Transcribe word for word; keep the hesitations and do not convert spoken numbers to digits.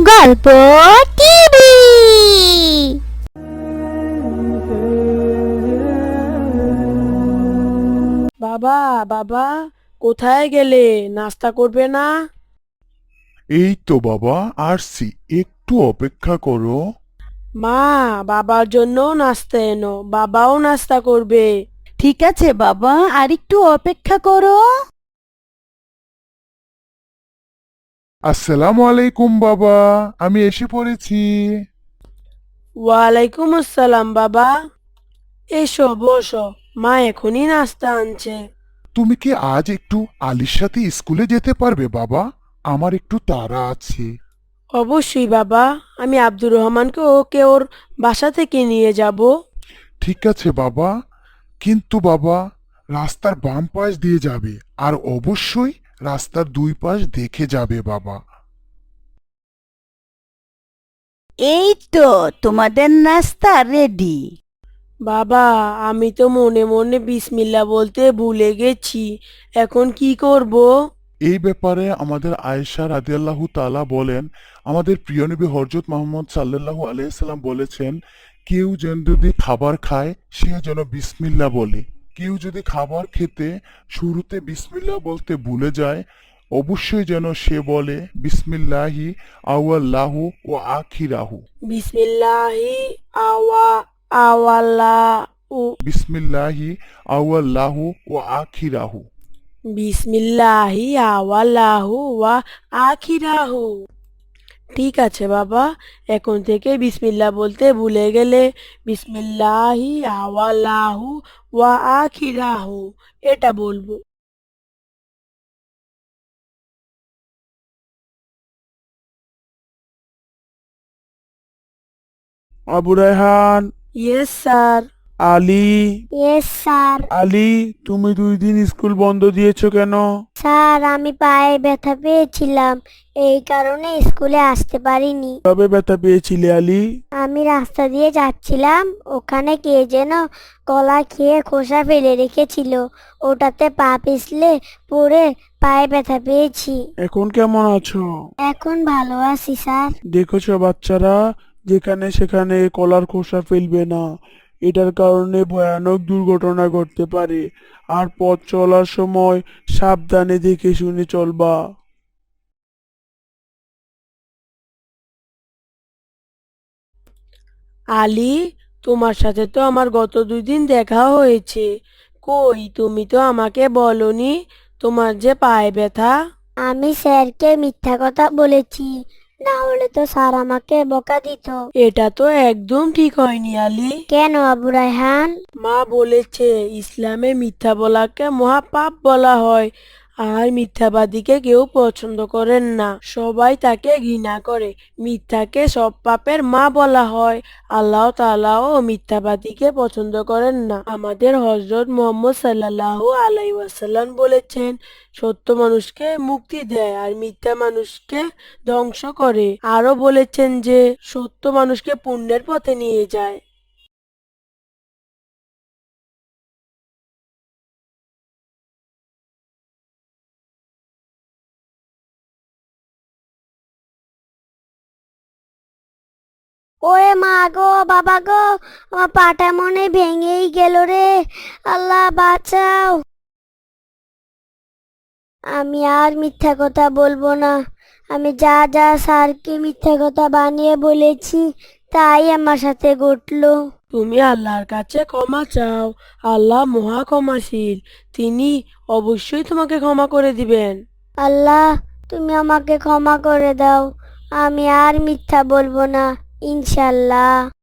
গল্প টিভি। বাবা বাবা, কোথায় গেলে? নাস্তা করবে না? এই তো বাবা আসছি, একটু অপেক্ষা করো। মা, বাবার জন্য নাস্তা এনো, বাবাও নাস্তা করবে। ঠিক আছে বাবা, আর একটু অপেক্ষা করো। আসসালামু আলাইকুম বাবা, আমি এসে পড়েছি। ওয়ালাইকুম আসসালাম বাবা। এসো বসো, মা এখনই নাস্তা আনছে। তুমি কি আজ একটু আলির সাথে স্কুলে যেতে পারবে বাবা? আমার একটু তাড়া আছে। অবশ্যই বাবা, আমি আব্দুর রহমানকে ওকে ওর বাসা থেকে নিয়ে যাব। ঠিক আছে বাবা, কিন্তু বাবা রাস্তার বাম পাশ দিয়ে যাবে, আর অবশ্যই রাস্তার দুই পাশ দেখে যাবে বাবা। এই তো তোমাদের নাস্তা রেডি। বাবা, আমি তো মনে মনে বিসমিল্লা বলতে ভুলে গেছি, এখন কি করব? এই ব্যাপারে আমাদের আয়েশা রাদিয়াল্লাহু তাআলা বলেন, আমাদের প্রিয় নবী হযরত মুহাম্মদ সাল্লাল্লাহু আলাইহি সাল্লাম বলেছেন, কেউ যেন যদি খাবার খায় সে যেন বিসমিল্লাহ বলে। কেউ যদি খাবার খেতে শুরুতে বিসমিল্লাহ বলতে ভুলে যায়, অবশ্যই যেন সে বলে বিসমিল্লাহি আউয়াল্লাহু ওয়া আখিরাহু। বিসমিল্লাহি আওয়া আওয়ালা উ বিসমিল্লাহি আউয়াল্লাহু ওয়া আখিরাহু। বিসমিল্লাহি আওয়ালাহু ওয়া আখিরাহু। ঠিক আছে বাবা, এখন থেকে বিসমিল্লাহ বলতে ভুলে গেলে বিসমিল্লাহি আওয়ালাহু ওয়া আখিরাহু এটা বলবো। Abu Rayhan, yes sir. Ali. Yes sir. Ali, তুমি দুই দিন স্কুল বন্ধ দিয়েছো কেন? স্যার, আমি পায়ে ব্যথা পেয়েছিলাম, এই কারণে স্কুলে আসতে পারিনি। কবে ব্যথা পেয়েছিলে আলী? আমি রাস্তা দিয়ে যাচ্ছিলাম, ওখানে কে যেন কলা খেয়ে খোসা ফেলে রেখেছিল, ওটাতে পা পিছলে পড়ে পায়ে ব্যথা পেয়েছি। এখন কেমন আছো? এখন ভালো আছি স্যার। দেখেছো বাচ্চারা, যেখানে সেখানে কলার খোসা ফেলবে না, এটার কারণে ভয়ানক দুর্ঘটনা ঘটতে পারে। আর পথ চলার সময় সাবধানে দেখে শুনে চলবা। আলী, তোমার সাথে তো আমার গত দুই দিন দেখা হয়েছে, কই তুমি তো আমাকে বলনি তোমার যে পায়ে ব্যথা। আমি স্যারকে মিথ্যা কথা বলেছি, না হলে তো স্যার আমাকে বকা দিত। এটা তো একদম ঠিক হয়নি আলী। কেন আবু রায়হান? মা বলেছে ইসলামে মিথ্যা বলাকে মহাপাপ বলা হয়, আর মিথ্যাবাদীকে কেউ পছন্দ করেন না, সবাই তাকে ঘৃণা করে। মিথ্যাকে সব পাপের মা বলা হয়। আল্লাহ তাআলাও মিথ্যাবাদীকে পছন্দ করেন না। আমাদের হযরত মুহাম্মদ সাল্লাল্লাহু আলাইহি ওয়াসাল্লাম বলেছেন, সত্য মানুষকে মুক্তি দেয় আর মিথ্যা মানুষকে ধ্বংস করে। আরো বলেছেন যে সত্য মানুষকে পুণ্যের পথে নিয়ে যায়। ওরে মা গো, বাবা গো, আমার পাটা মনে ভেঙেই গেল রে। আল্লাহ বাঁচাও। আমি আর মিথ্যা কথা বলবো না। আমি যা যা স্যারকে মিথ্যা কথা বানিয়ে বলেছি, তাই আমার সাথে ঘটলো। তুমি আল্লাহর কাছে ক্ষমা চাও, আল্লাহ মহা ক্ষমাশীল, তিনি অবশ্যই তোমাকে ক্ষমা করে দিবেন। আল্লাহ, তুমি আমাকে ক্ষমা করে দাও, আমি আর মিথ্যা বলবো না, ইনশাল্লাহ।